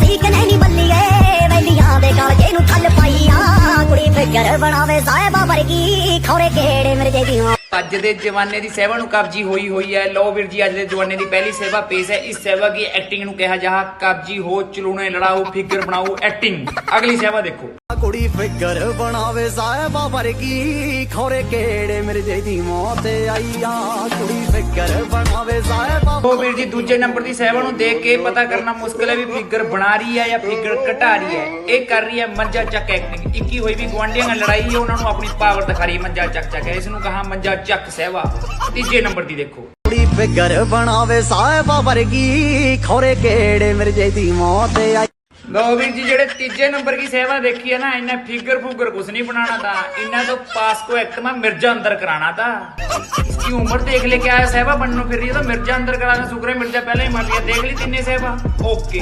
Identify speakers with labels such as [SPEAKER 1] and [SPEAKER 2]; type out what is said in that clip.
[SPEAKER 1] ਪਈ ਕਿ ਨਹੀਂ ਬੱਲੀਏ ਵੈਲੀਆਂ ਦੇ ਕਾਲਜੇ ਨੂੰ ਠੱਲ ਪਾਈ ਆ ਕੁੜੀ ਫਿਕਰ ਬਣਾਵੇ ਸਾਹਿਬਾ ਵਰਗੀ ਖੌਰੇ ਕਿਹੜੇ ਮਿਰਜੇ ਦੀ
[SPEAKER 2] ਅੱਜ ਦੇ ਜਵਾਨੇ ਦੀ ਸੇਵਾ ਨੂੰ ਕਬਜੀ ਹੋਈ ਹੈ। ਲਓ ਵੀਰ ਜੀ, ਅੱਜ ਦੇ ਜਵਾਨੇ ਦੀ ਪਹਿਲੀ ਸੇਵਾ ਪੇਸ਼ ਹੈ। ਇਸ ਸੇਵਾ ਦੀ ਐਕਟਿੰਗ ਨੂੰ ਕਿਹਾ ਜਾ ਕਬਜੀ ਹੋ ਚਲੂਣੇ ਲੜਾਓ ਫਿਗਰ ਬਣਾਓ ਐਕਟਿੰਗ। ਅਗਲੀ ਸੇਵਾ ਦੇਖੋ।
[SPEAKER 3] ਕੁੜੀ ਫਿਕਰ ਬਣਾਵੇ ਸਾਹਿਬਾ ਵਰਗੀ ਖੌਰੇ ਕਿਹੜੇ ਮਿਰਜੇ ਦੀ ਮੌਤ ਆਈ ਆ ਕੁੜੀ ਫਿਕਰ ਬਣਾਵੇ ਸਾਹਿਬਾ।
[SPEAKER 2] ਉਹ ਵੀਰ ਜੀ, ਦੂਜੇ ਨੰਬਰ ਦੀ ਸੇਵਾ ਨੂੰ ਦੇਖ ਕੇ ਪਤਾ ਕਰਨਾ ਮੁਸ਼ਕਿਲ ਹੈ ਵੀ ਫਿਗਰ ਬਣਾ ਰਹੀ ਹੈ ਜਾਂ ਫਿਗਰ ਘਟਾ ਰਹੀ ਹੈ। ਇਹ ਕਰ ਰਹੀ ਹੈ ਮੰਜਾ ਚੱਕ ਐਕਟਿੰਗ। ਇੱਕੀ ਹੋਈ ਵੀ ਗੁਆਂਢੀਆਂ ਨਾਲ ਲੜਾਈ ਹੈ, ਉਹਨਾਂ ਨੂੰ ਆਪਣੀ ਪਾਵਰ ਦਿਖਾ ਰਹੀ ਹੈ ਮੰਜਾ ਚੱਕ ਚੱਕ। ਇਸ ਨੂੰ ਕਹਾ ਮੰਜਾ ਚੱਕ ਸੇਵਾ। ਤੀਜੇ ਨੰਬਰ ਦੀ ਦੇਖੋ।
[SPEAKER 3] ਕੁੜੀ ਫਿਕਰ ਬਣਾਵੇ ਸਾਹਿਬਾ ਵਰਗੀ ਖੌਰੇ ਕਿਹੜੇ ਮਿਰਜੇ ਦੀ ਮੌਤ ਆਈ।
[SPEAKER 2] ਲਓ ਵੀਰ ਜੀ, ਜਿਹੜੇ ਤੀਜੇ ਨੰਬਰ ਦੀ ਸੇਵਾ ਦੇਖੀ है ना, इन्हें फिगर फुगर कुछ नहीं बनाना था। इन्हें तो पास को एक्ट में मिर्जा अंदर कराना था। इसकी उम्र देख ले क्या है, सेवा बनने फिर रही है तो मिर्जा अंदर कराना। शुक्र है मिर्जा पहले ही मर गया। देख ली तीन सेवा। ओके।